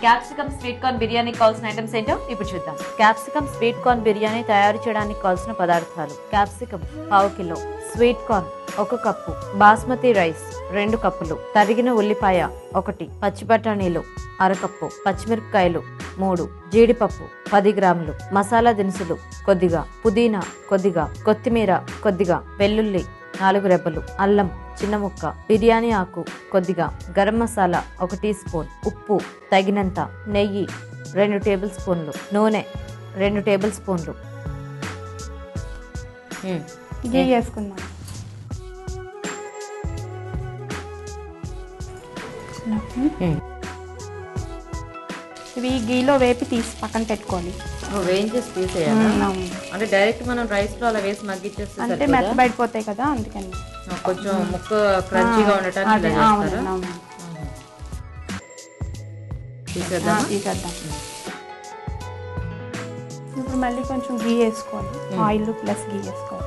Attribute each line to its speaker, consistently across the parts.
Speaker 1: Capsicum sweet corn biryani కావాల్సిన items ఏంటో ఇప్పుడు చూద్దాం. క్యాప్సికమ్ స్వీట్ కార్న్ బిర్యానీ తయారు చేయడానికి కావాల్సిన పదార్థాలు: క్యాప్సికమ్ 1/2 కిలో, sweet corn 1 cup, basmati rice 2 కప్పులు, తరిగిన ఉల్లిపాయ 1, పచ్చి బఠానీలు 1/2 కప్పు, పచ్చిమిరపకాయలు 3, జీడిపప్పు 10 గ్రాములు, మసాలా దినుసులు కొద్దిగా, పుదీనా కొద్దిగా, కొత్తిమీర కొద్దిగా, వెల్లుల్లి 4 రెబ్బలు, అల్లం చిన్న ముక్క, బిర్యానీ ఆకు కొద్దిగా, గరం మసాలా 1 టీ స్పూన్, ఉప్పు తగినంత, నెయ్యి 2 టేబుల్ స్పూన్లు, నూనె 2 టేబుల్ స్పూన్లు.
Speaker 2: గీ వేసుకుందాం. ఇవి గీలో వేపి తీసి పక్కన పెట్టుకోవాలి.
Speaker 1: వేయించేసి తీసేయాలి అంటే డైరెక్ట్ మనం రైస్ లో అలా వేసి మగ్గిచ్చేస్తే
Speaker 2: అంటే మెత్తబడిపోతాయి కదా, అందుకని
Speaker 1: కొంచెం ముక్క క్రంచీగా ఉండటానికి
Speaker 2: తీసేద్దాం. ఇప్పుడు మళ్ళీ కొంచెం గీ వేసుకోవాలి, ఆయిల్ ప్లస్ గీ వేసుకోవాలి.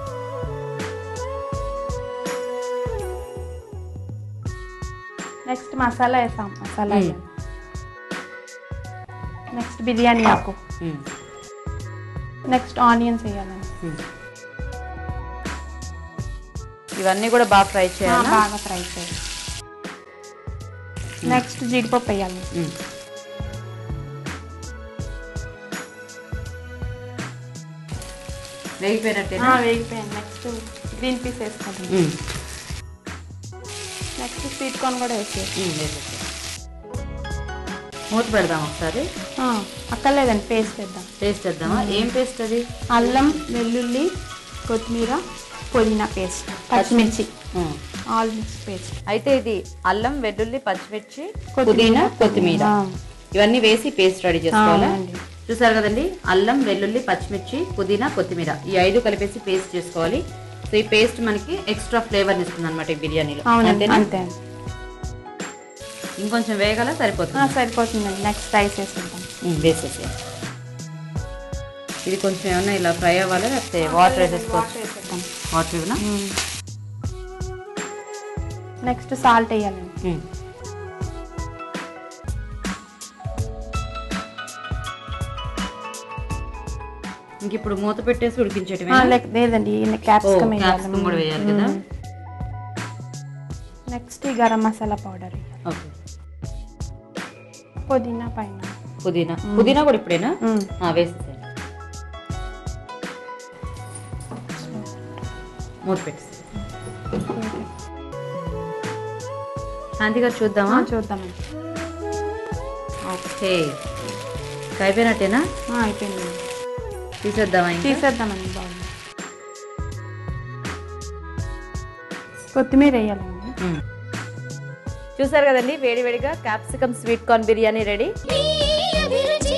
Speaker 2: నెక్స్ట్ మసాలా వేసాం, మసాలా నెక్స్ట్ బిర్యానీ ఆకు, నెక్స్ట్ ఆనియన్స్ వేయాలండి.
Speaker 1: ఇవన్నీ కూడా బాగా ఫ్రై చేయాలి,
Speaker 2: బాగా ఫ్రై చేయాలి. నెక్స్ట్ జీడిపప్పు వేయాలి. వేగిపోయాను. నెక్స్ట్ గ్రీన్ పీస్ వేసుకోండి. నెక్స్ట్ స్వీట్ కార్న్ కూడా వేసేసి
Speaker 1: మూత పెడదాం ఒకసారి.
Speaker 2: అక్కర్లేదండి, పేస్ట్
Speaker 1: వేద్దామా? ఏం పేస్ట్ అది?
Speaker 2: అల్లం, వెల్లుల్లి, కొత్తిమీర, పుదీనా పేస్ట్, పచ్చిమిర్చి, ఆల్ మిక్స్ పేస్ట్.
Speaker 1: అయితే ఇది అల్లం, వెల్లుల్లి, పచ్చిమిర్చి, పుదీనా, కొత్తిమీర ఇవన్నీ వేసి పేస్ట్ రెడీ చేసుకోవాలి. చూసారు కదండి, అల్లం, వెల్లుల్లి, పచ్చిమిర్చి, పుదీనా, కొత్తిమీర ఈ 5 కలిపేసి పేస్ట్ చేసుకోవాలి. సో ఈ పేస్ట్ మనకి ఎక్స్ట్రా ఫ్లేవర్ ఇస్తుంది అనమాట ఈ బిర్యానీలో.
Speaker 2: అంతే.
Speaker 1: ఇంకొంచెం వేగాల
Speaker 2: సరిపోతుందండి. నెక్స్ట్ రైస్ వేసేద్దాం.
Speaker 1: వేసేసేయాలి. ఇది కొంచెం ఏమన్నా ఇలా ఫ్రై అవ్వాలి, లేకపోతే వాటర్ వేసేసుకోవచ్చు. వాటర్ ఇవ్వనా?
Speaker 2: నెక్స్ట్ సాల్ట్ వేయాలండి.
Speaker 1: ఇంక ఇప్పుడు మూత పెట్టేసి ఉడికించేటివి?
Speaker 2: లేదండి, క్యాప్సికమ్
Speaker 1: కూడా వేయాలి కదా.
Speaker 2: నెక్స్ట్ గరం మసాలా పౌడర్, పుదీనా పైన,
Speaker 1: పుదీనా కూడా ఇప్పుడేనా వేసేసేయండి. మూత పెట్టేసి శాంతిగా చూద్దామండి. ఓకే, అయిపోయినట్టేనా?
Speaker 2: అయిపోయింది.
Speaker 1: తీసేద్దామండి.
Speaker 2: బాగుంది. కొత్తిమీర వేయాలండి.
Speaker 1: చూసారు కదండి, వేడివేడిగా capsicum sweet corn biryani ready.